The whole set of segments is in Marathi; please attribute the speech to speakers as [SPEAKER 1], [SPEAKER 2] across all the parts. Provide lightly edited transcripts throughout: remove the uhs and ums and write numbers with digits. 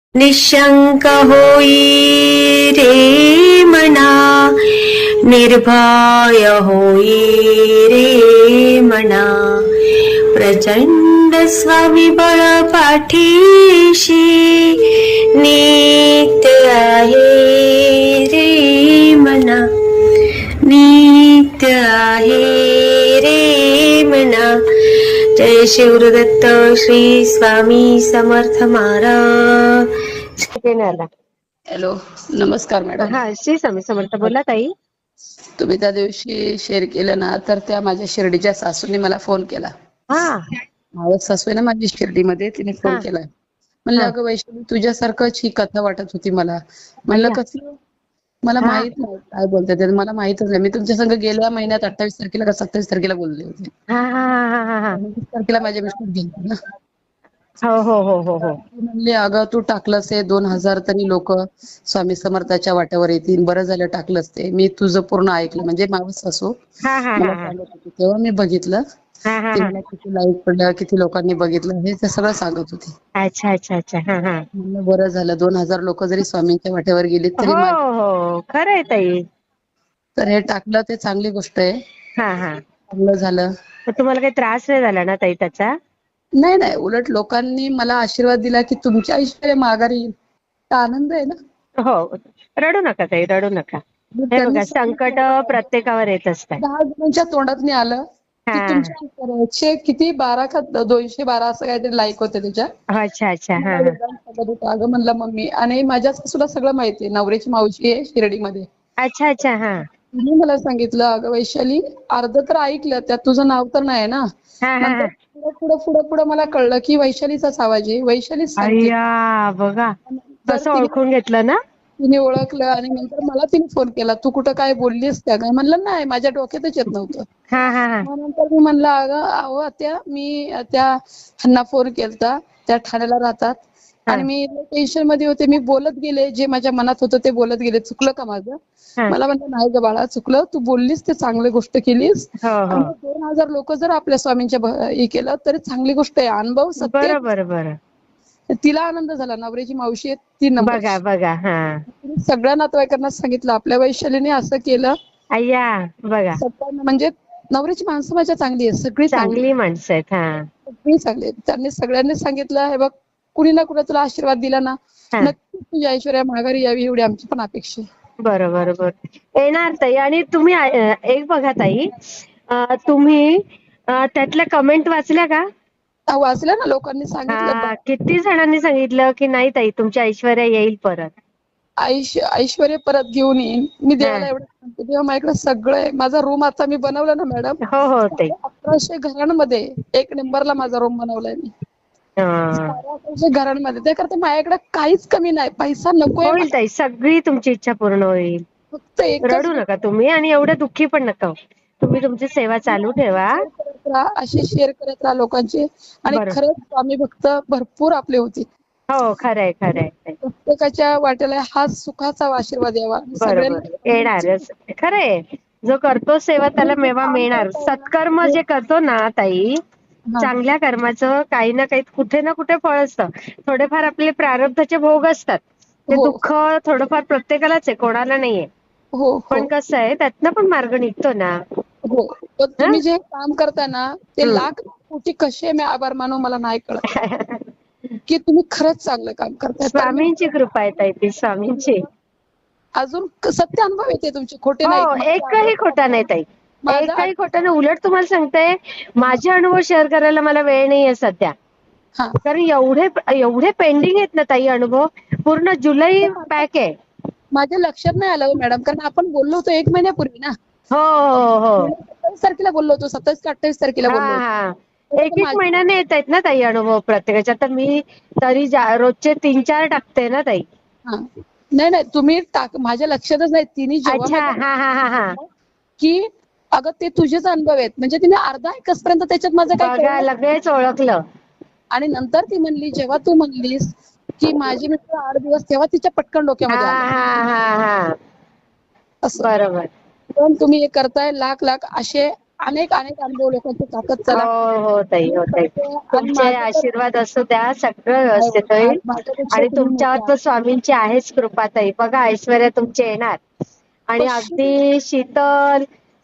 [SPEAKER 1] निशंक होई रे मना, निर्भय होई रे मना, प्रचंड स्वविबळ पाठीशी नित्य आहे रे मना, नित्य आहे रे मना. जय शिवदत्त श्री स्वामी समर्थ महाराज.
[SPEAKER 2] हॅलो, नमस्कार मॅडम.
[SPEAKER 3] हा, श्री स्वामी समर्थ. बोला ताई.
[SPEAKER 2] तुम्ही त्या दिवशी शेअर केलं ना, तर त्या माझ्या शिर्डीच्या सासूने मला फोन केला.
[SPEAKER 3] हा
[SPEAKER 2] मावस सासू आहे ना माझी शिर्डीमध्ये, तिने फोन
[SPEAKER 3] हा
[SPEAKER 2] केला. म्हणलं
[SPEAKER 3] हा.
[SPEAKER 2] अगं वैष्णवी, तुझ्यासारखंच ही कथा वाटत होती मला. म्हणलं
[SPEAKER 3] अय्या.
[SPEAKER 2] कसलं? मला
[SPEAKER 3] हा
[SPEAKER 2] माहित नाही काय बोलतात ते, मला माहितच नाही. मी तुमच्या संग गेल्या महिन्यात 28 तारखेला का 27 तारखेला बोलले होते.
[SPEAKER 3] हा हा हा हा हा.
[SPEAKER 2] 29 तारखेला माझे मिस्टर गेले ना.
[SPEAKER 3] हो हो हो हो हो.
[SPEAKER 2] ती म्हणली अगं तू टाकलंस आहे 2000 तरी लोक स्वामी समर्थाच्या वाट्यावर येतील, बरं झालं टाकलंस ते. मी तुझं पूर्ण ऐकलं, म्हणजे मावस सासू
[SPEAKER 3] हा हा
[SPEAKER 2] मला
[SPEAKER 3] हा हा
[SPEAKER 2] सांगत होती, तेव्हा मी बघितलं.
[SPEAKER 3] हा हा
[SPEAKER 2] ते
[SPEAKER 3] हा.
[SPEAKER 2] मला किती लाईक पडलं, किती लोकांनी बघितलं, हे ते सगळं सांगत होती.
[SPEAKER 3] अच्छा अच्छा अच्छा. हा हा.
[SPEAKER 2] म्हणलं बरं झालं, 2000 लोक जरी स्वामींच्या वाट्यावर गेलीत तरी
[SPEAKER 3] हो
[SPEAKER 2] माझे.
[SPEAKER 3] हो, खरं आहे ताई.
[SPEAKER 2] तर हे टाकलं ते चांगली गोष्ट आहे,
[SPEAKER 3] हा हा.
[SPEAKER 2] चांगलं झालं.
[SPEAKER 3] तर तुम्हाला काही त्रास नाही झाला ना ताई त्याचा?
[SPEAKER 2] नाही नाही, उलट लोकांनी मला आशीर्वाद दिला की तुमच्या ऐश्वर्य माघारी येईल. तर आनंद आहे ना.
[SPEAKER 3] हो. रडू नका ताई, रडू नका.
[SPEAKER 2] मग
[SPEAKER 3] हे
[SPEAKER 2] त्यांनी
[SPEAKER 3] बघा, संकट
[SPEAKER 2] सांगितलं
[SPEAKER 3] प्रत्येकावर येत असतात.
[SPEAKER 2] 10 जणांच्या तोंडातनी आलं की
[SPEAKER 3] हा.
[SPEAKER 2] तुमच्या ऐश्वर्याचे किती 12 का 212 असं काहीतरी लाईक होते त्याच्या.
[SPEAKER 3] अच्छा अच्छा. हा
[SPEAKER 2] मला
[SPEAKER 3] हा.
[SPEAKER 2] वेदांत सांगत होता, अगं म्हणलं मम्मी, आणि माझ्या सासूला सगळं माहितीये, नवऱ्याची मावशी आहे शिर्डीमध्ये.
[SPEAKER 3] अच्छा अच्छा. हा
[SPEAKER 2] तिने मला सांगितलं, अगं वैशाली, अर्ध तर ऐकलं, त्यात तुझं नाव तर नाही ना.
[SPEAKER 3] हा हा
[SPEAKER 2] नंतर
[SPEAKER 3] हा.
[SPEAKER 2] पुढं पुढं पुढं पुढं मला कळलं की वैशालीचाच आवाज आहे, वैशालीच सांगते.
[SPEAKER 3] अय्या, बघा
[SPEAKER 2] नंतर
[SPEAKER 3] कसं ओळखून घेतलं ना.
[SPEAKER 2] तिने ओळखलं आणि नंतर मला तिने फोन केला, तू कुठं काय बोललीस त्या काय? म्हणलं नाही, माझ्या डोक्यातच येत नव्हतं.
[SPEAKER 3] हा हा हा
[SPEAKER 2] मग नंतर मी म्हणलं, अगं अहो आत्या, मी त्या ह्यांना फोन केलता, त्या ठाण्याला राहतात,
[SPEAKER 3] हा
[SPEAKER 2] आणि मी टेन्शन मध्ये होते, मी बोलत गेले, जे माझ्या मनात होतं ते बोलत गेले. चुकलं का माझं?
[SPEAKER 3] हा.
[SPEAKER 2] मला म्हणलं नाही ग बाळा, चुकलं, तू बोललीस ते चांगली गोष्ट केलीस.
[SPEAKER 3] हो हो.
[SPEAKER 2] आणि 2000 लोक जर आपल्या स्वामींच्या हे केलं तरी चांगली गोष्ट आहे. अनुभव सत्य.
[SPEAKER 3] बरं बरं बरं.
[SPEAKER 2] तिला आनंद झाला, नवऱ्याची मावशी आहे 3
[SPEAKER 3] बघा
[SPEAKER 2] नंबरची.
[SPEAKER 3] बघा. हा.
[SPEAKER 2] तिने सगळ्या नातेवाईकांना सांगितलं आपल्या वैशालीने असं केलं.
[SPEAKER 3] अय्या, बघा
[SPEAKER 2] सगळ्यांना, म्हणजे नवऱ्याची माणसं माझ्या चांगली आहे, सगळी चांगली,
[SPEAKER 3] चांगली माणसं आहेत. हा
[SPEAKER 2] सगळी चांगली आहेत. त्यांनी सगळ्यांनी सांगितलं, हे बघ, कुणी ना कुणी तुला आशीर्वाद दिला ना,
[SPEAKER 3] हा.
[SPEAKER 2] नक्कीच तुझ्या ऐश्वर्या माघारी यावी, एवढी आमची पण अपेक्षा आहे.
[SPEAKER 3] बरं बरं बरं. येणार ताई. आणि तुम्ही एक बघा ताई, तुम्ही त्यातल्या कमेंट वाचल्या का?
[SPEAKER 2] वाचलं ना, लोकांनी सांगितलं.
[SPEAKER 3] हा, किती जणांनी सांगितलं की नाही ताई, तुमच्या ऐश्वर्या येईल परत.
[SPEAKER 2] ऐश्वर्य परत घेऊन येईन. मी
[SPEAKER 3] हा.
[SPEAKER 2] देवाला एवढं सांगते, तेव्हा माझ्याकडे सगळं आहे. माझा रूम आता मी बनवला ना मॅडम,
[SPEAKER 3] हो हो ताई.
[SPEAKER 2] 1100 घरांमध्ये 1 नंबरला माझा रूम बनवलाय मी.
[SPEAKER 3] हा.
[SPEAKER 2] 1100 घरांमध्ये. त्याकरता माझ्याकडे काहीच कमी नाही, पैसा नकोय
[SPEAKER 3] होईल
[SPEAKER 2] मला.
[SPEAKER 3] ताई, सगळी तुमची इच्छा पूर्ण होईल.
[SPEAKER 2] फक्त एकच
[SPEAKER 3] रडू नका तुम्ही, आणि एवढं दुःखी पण नका होऊ. तुम्ही तुमची सेवा चालू ठेवा.
[SPEAKER 2] शेअर करत राहा, अशी शेअर करत राहा लोकांची. आणि
[SPEAKER 3] बरं.
[SPEAKER 2] खरंच स्वामी भक्त भरपूर आपले होते.
[SPEAKER 3] हो, खरंय खरंय.
[SPEAKER 2] प्रत्येकाच्या वाट्याला हा सुखाचा आशीर्वाद यावा.
[SPEAKER 3] बरोबर, येणारच. खरंय, जो करतो सेवा त्याला
[SPEAKER 2] जे
[SPEAKER 3] मेवा
[SPEAKER 2] काम
[SPEAKER 3] मिळणार.
[SPEAKER 2] करताय ना,
[SPEAKER 3] सत्कर्म जे करतो ना ताई,
[SPEAKER 2] हा,
[SPEAKER 3] चांगल्या कर्माचं काही ना काही कुठे ना कुठे फळ असतं. थोडेफार आपले प्रारब्धाचे भोग असतात, ते
[SPEAKER 2] हो
[SPEAKER 3] दुःख थोडंफार प्रत्येकालाच आहे, कोणाला नाहीये.
[SPEAKER 2] हो हो
[SPEAKER 3] पण कसं आहे, त्यातनं पण मार्ग निघतो ना.
[SPEAKER 2] हो. पण
[SPEAKER 3] हा.
[SPEAKER 2] तुम्ही जे काम करता ना, ते लाख कोटी कसे मी आभार मानू मला नाही कळत, की तुम्ही खरंच चांगलं काम करताय. तर मी
[SPEAKER 3] स्वामींची कृपा आहे ताई, ती स्वामींची.
[SPEAKER 2] अजून सत्य अनुभव येते तुमचे, खोटे नाहीत.
[SPEAKER 3] हो, एकही खोटा नाही ताई,
[SPEAKER 2] माझा
[SPEAKER 3] एकही खोटा नाही. उलट तुम्हाला सांगते, माझे अनुभव शेअर करायला मला वेळ नाहीये सध्या.
[SPEAKER 2] हा,
[SPEAKER 3] कारण एवढे एवढे पेंडिंग आहेत ना ताई अनुभव. पूर्ण जुलै पॅक आहे.
[SPEAKER 2] माझ्या लक्षात नाही आलं मॅडम, कारण आपण बोललो होतो 1 महिन्यापूर्वी ना.
[SPEAKER 3] हो हो हो.
[SPEAKER 2] 27 तारखेला बोललो होतो, 27 का 28 तारखेला
[SPEAKER 3] हा
[SPEAKER 2] बोललो होतो.
[SPEAKER 3] हा.
[SPEAKER 2] तर
[SPEAKER 3] एक एक महिन्याने येत आहेत ना ताई अनुभव प्रत्येकाच्या. तर मी तरी रोजचे 3-4 टाकते ना ताई.
[SPEAKER 2] हा, नाही नाही, तुम्ही माझ्या लक्षातच नाही. तिने जेव्हा
[SPEAKER 3] अच्छा.
[SPEAKER 2] माझ्या
[SPEAKER 3] हा हा हा हा.
[SPEAKER 2] की अगं ते तुझेच अनुभव आहेत, म्हणजे तिने अर्धा एकसपर्यंत त्याच्यात माझं काही
[SPEAKER 3] बघा,
[SPEAKER 2] कळलं.
[SPEAKER 3] लगेच ओळखलं.
[SPEAKER 2] आणि नंतर ती म्हणली, जेव्हा तू म्हणलीस की माझे मित्र 8 दिवस, तेव्हा तिच्या पटकन
[SPEAKER 3] हा
[SPEAKER 2] डोक्यामध्ये आलं
[SPEAKER 3] हा हा हा.
[SPEAKER 2] असं.
[SPEAKER 3] बरोबर.
[SPEAKER 2] पण तुम्ही हे करताय, लाख लाख असे अनेक अनेक अनुभव लोकांचे टाकत चला.
[SPEAKER 3] हो ताई, हो ताई.
[SPEAKER 2] आणि
[SPEAKER 3] तुमचे
[SPEAKER 2] माझं तर
[SPEAKER 3] आशीर्वाद असू द्या, सगळं व्यवस्थित होईल.
[SPEAKER 2] माझ्यापेक्षा
[SPEAKER 3] आणि
[SPEAKER 2] तुम्ही
[SPEAKER 3] तुमच्यावर
[SPEAKER 2] मोठ्या.
[SPEAKER 3] तर स्वामींची आहेच कृपा ताई. बघा ऐश्वर्या तुमची येणार आणि अगदी शीतल,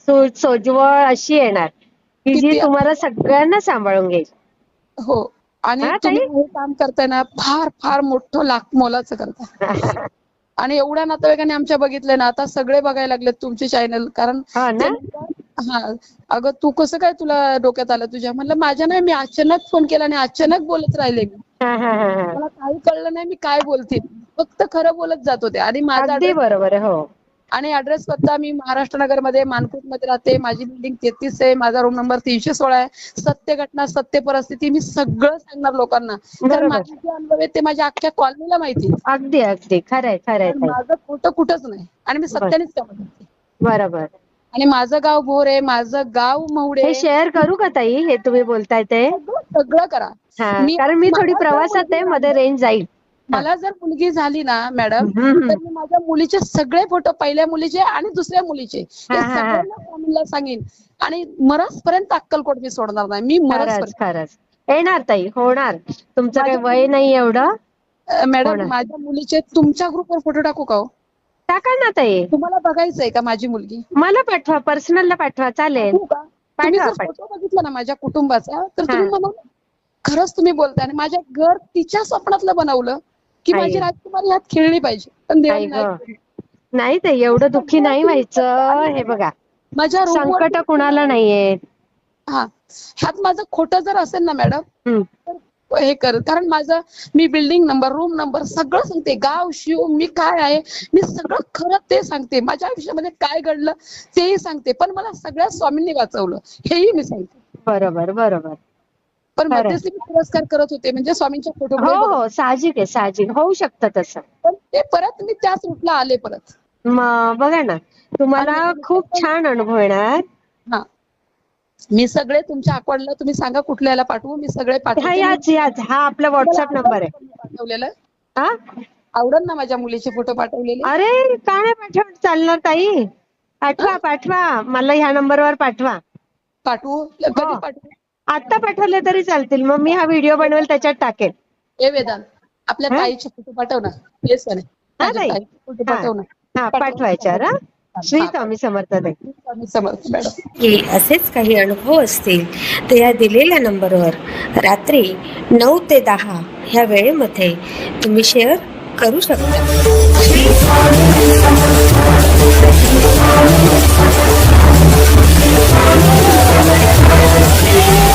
[SPEAKER 3] सोज्वळ अशी येणार की जी
[SPEAKER 2] किती
[SPEAKER 3] तुम्हाला सगळ्यांना सांभाळून घेईल.
[SPEAKER 2] हो. आणि
[SPEAKER 3] हा
[SPEAKER 2] तुम्ही
[SPEAKER 3] ताई.
[SPEAKER 2] हे काम करताय ना, फार फार मोठं लाख मोलाचं करताय. आणि एवढ्या नातेवाईकांनी आमच्या बघितलंय ना, आता सगळे बघायला लागलेत तुमचे चॅनल. कारण
[SPEAKER 3] हो
[SPEAKER 2] ते
[SPEAKER 3] ना.
[SPEAKER 2] म्हणतात, हा, अगं तू कसं काय तुला डोक्यात आलं तुझ्या? म्हणलं माझ्या नाही, मी अचानक फोन केला आणि अचानक बोलत राहिले मी.
[SPEAKER 3] हा हा हा हा.
[SPEAKER 2] मला काही कळलं नाही मी काय बोलते. फक्त खरं बोलत जात होते. आणि माझा
[SPEAKER 3] अगदी
[SPEAKER 2] ऍड्रेस
[SPEAKER 3] बरोबर आहे. हो.
[SPEAKER 2] आणि ऍड्रेस पत्ता मी महाराष्ट्र नगरमध्ये मानकोटमध्ये राहते. माझी बिल्डिंग 33 आहे. माझा रूम नंबर 316 आहे. सत्य घटना, सत्य परिस्थिती मी सगळं सांगणार लोकांना. कारण
[SPEAKER 3] बरोबर.
[SPEAKER 2] माझे जे अनुभव आहेत ते माझ्या अख्ख्या कॉलनीला माहिती आहेत.
[SPEAKER 3] अगदी अगदी खरंय खरंय
[SPEAKER 2] कारण
[SPEAKER 3] ताई.
[SPEAKER 2] माझं खोटं कुठंच नाही. आणि मी
[SPEAKER 3] बर
[SPEAKER 2] सत्यानेच काम करते.
[SPEAKER 3] बरोबर.
[SPEAKER 2] आणि माझं गाव भोर आहे, माझं गाव महुडे.
[SPEAKER 3] हे शेअर करू का ताई, हे तुम्ही बोलताय ते?
[SPEAKER 2] सगळं सगळं करा.
[SPEAKER 3] हा, कारण मी थोडी
[SPEAKER 2] मला जर
[SPEAKER 3] प्रवासात
[SPEAKER 2] मुलगी
[SPEAKER 3] आहे, मध्ये
[SPEAKER 2] झाली,
[SPEAKER 3] रेंज जाईल. हा.
[SPEAKER 2] मला जर मुलगी झाली ना मॅडम,
[SPEAKER 3] हम्म.
[SPEAKER 2] तर मी माझ्या मुलीचे सगळे फोटो, पहिल्या मुलीचे आणि दुसऱ्या मुलीचे,
[SPEAKER 3] हा
[SPEAKER 2] हे
[SPEAKER 3] हा हा.
[SPEAKER 2] सगळ्यांना स्वामींना सांगेन. आणि मरसपर्यंत अक्कलकोट मी सोडणार नाही. मी
[SPEAKER 3] खरंच
[SPEAKER 2] मरसपर्यंत.
[SPEAKER 3] खरंच येणार ताई, होणार. तुमचं काही
[SPEAKER 2] माझ्या
[SPEAKER 3] वय नाही एवढं.
[SPEAKER 2] मॅडम,
[SPEAKER 3] होणार.
[SPEAKER 2] माझ्या मुलीचे तुमच्या ग्रुपवर फोटो टाकू का हो?
[SPEAKER 3] टाका ना ताई.
[SPEAKER 2] तुम्हाला बघायचंय का माझी मुलगी?
[SPEAKER 3] मला पाठवा, पर्सनलला पाठवा, चालेल.
[SPEAKER 2] टाकू का? तुम्ही
[SPEAKER 3] पाठवा
[SPEAKER 2] जर
[SPEAKER 3] पाठवा.
[SPEAKER 2] फोटो बघितला ना माझ्या कुटुंबाचा, तर
[SPEAKER 3] हा.
[SPEAKER 2] तुम्ही म्हणाल खरंच तुम्ही बोलताय. आणि माझ्या घर तिच्या स्वप्नातलं बनवलं की
[SPEAKER 3] आई.
[SPEAKER 2] माझी राजकुमारी ह्यात खेळली पाहिजे, पण देवाने
[SPEAKER 3] आई
[SPEAKER 2] नाही
[SPEAKER 3] ग.
[SPEAKER 2] केली.
[SPEAKER 3] नाही ताई, एवढं दुःखी नाही व्हायचं. हे बघा,
[SPEAKER 2] माझ्या रूमवर
[SPEAKER 3] संकट कुणाला नाहीये.
[SPEAKER 2] हा, ह्यात माझं खोटं जर असेल ना मॅडम,
[SPEAKER 3] हम्म.
[SPEAKER 2] तर हे कर. कारण माझं, मी बिल्डिंग नंबर, रूम नंबर सगळं सांगते. गाव, शिव, मी काय आहे, मी सगळं खरं ते सांगते. माझ्या आयुष्यामध्ये काय घडलं तेही सांगते. पण मला सगळ्या स्वामींनी वाचवलं हेही मी सांगते.
[SPEAKER 3] बरोबर बरोबर.
[SPEAKER 2] पण
[SPEAKER 3] खरंय.
[SPEAKER 2] मध्यस्थी मी पुरस्कार करत होते, म्हणजे स्वामींच्या फोटो
[SPEAKER 3] हो हो, साहजिक आहे, साहजिक होऊ शकतं तसं.
[SPEAKER 2] पण ते परत मी त्याच रूटला आले परत.
[SPEAKER 3] मग बघा ना, तुम्हाला
[SPEAKER 2] आणि
[SPEAKER 3] खूप छान अनुभव येणार.
[SPEAKER 2] हा, मी सगळे तुमच्या अकाउंटला, तुम्ही सांगा कुठल्या याला पाठवू, मी सगळे
[SPEAKER 3] हा,
[SPEAKER 2] पाठवते.
[SPEAKER 3] याच हा आपला व्हॉट्सअप नंबर आहे.
[SPEAKER 2] पाठवलेलं
[SPEAKER 3] हा.
[SPEAKER 2] आवडल ना माझ्या मुलीचे फोटो पाठवलेले?
[SPEAKER 3] अरे का नाही पाठवत, चालणार ताई. पाठवा पाठवा, मला ह्या नंबरवर पाठवा.
[SPEAKER 2] पाठवू? कधी पाठवू?
[SPEAKER 3] आता पाठवले तरी चालतील. मग मी हा व्हिडिओ बनवेल, त्याच्यात टाकेल.
[SPEAKER 2] ए वेदांत, आपल्या
[SPEAKER 3] हा?
[SPEAKER 2] ताईचे फोटो पाठव ना. येस ना,
[SPEAKER 3] हा
[SPEAKER 2] माझ्या
[SPEAKER 3] ताई.
[SPEAKER 2] ताईचे फोटो
[SPEAKER 3] हा
[SPEAKER 2] पाठव ना.
[SPEAKER 3] हा, पाठवायच्यावर. हा, श्री स्वामी समर्थ ताई.
[SPEAKER 2] स्वामी समर्थ मॅडम.
[SPEAKER 1] की असेच काही अनुभव असतील तर या दिलेल्या नंबरवर रात्री 9 ते 10 ह्या वेळेमध्ये तुम्ही शेअर करू शकता. श्री